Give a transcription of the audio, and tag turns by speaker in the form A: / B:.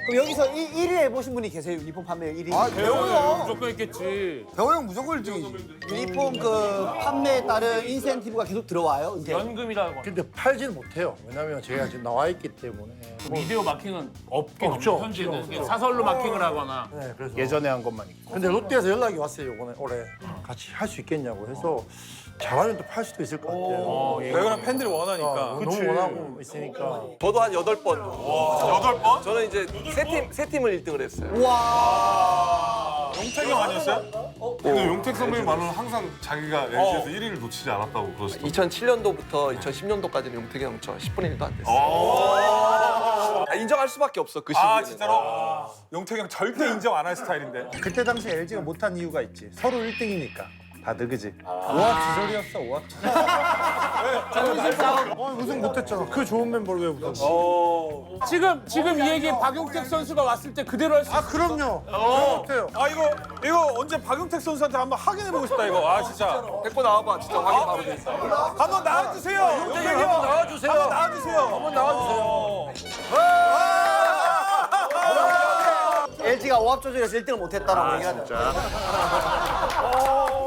A: 그럼 여기서 1위 해보신 분이 계세요? 유니폼 판매 1위?
B: 아, 배우요.
C: 무조건 있겠지.
B: 배우 형 무조건 1등이지.
A: 유니폼 그 판매에 따른 인센티브가 계속 들어와요? 이제?
C: 연금이라고.
D: 근데 팔지는 못해요. 왜냐면 제가 지금 나와 있기 때문에.
C: 미디어 마킹은 없긴
D: 없죠.
C: 없죠. 현재는
D: 없죠.
C: 그냥 사설로 마킹을 하거나.
D: 네, 그래서
E: 예전에 한 것만 있고.
D: 근데 롯데에서 연락이 왔어요. 이번에 올해 같이 할 수 있겠냐고 해서 잘하면 또 팔 수도 있을 것 같아요.
F: 배우랑 팬들이 원하니까.
D: 너무 원하고 있으니까.
G: 저도 한 8번.
F: 8번?
G: 저는 이제 세 팀을 1등을 했어요.
F: 용택이 형 아니었어요?
H: 근데 용택 선배님 말로는 항상 자기가 LG에서 1위를 놓치지 않았다고 그러시더라고요.
G: 2007년도부터 2010년도까지는 용택이 형 저 10분의 1도 안 됐어요. 인정할 수밖에 없어, 그 시기에는.
F: 아, 진짜로? 용택이 형 절대 인정 안 할 스타일인데.
E: 그때 당시 LG가 못한 이유가 있지. 서로 1등이니까. 다들 그지? 오합지졸이었어, 오합지졸.
D: 우승 못했잖아. 그 좋은 멤버를 왜 우승?
C: 지금 이 얘기 박용택 선수가 왔을 때 그대로 할 수 있어.
D: 그럼요. 그렇대요.
F: 아, 이거 언제 박용택 선수한테 한번 확인해보고 싶다, 이거. 아, 진짜.
G: 데리고 나와봐, 진짜 확인 바로 돼 있어.
F: 한번 나와주세요. 용택이 형. 나와주세요. 한번 나와주세요. 한번 나와주세요.
A: LG가 오합 조절에서 1등을 못했다라고 얘기하죠.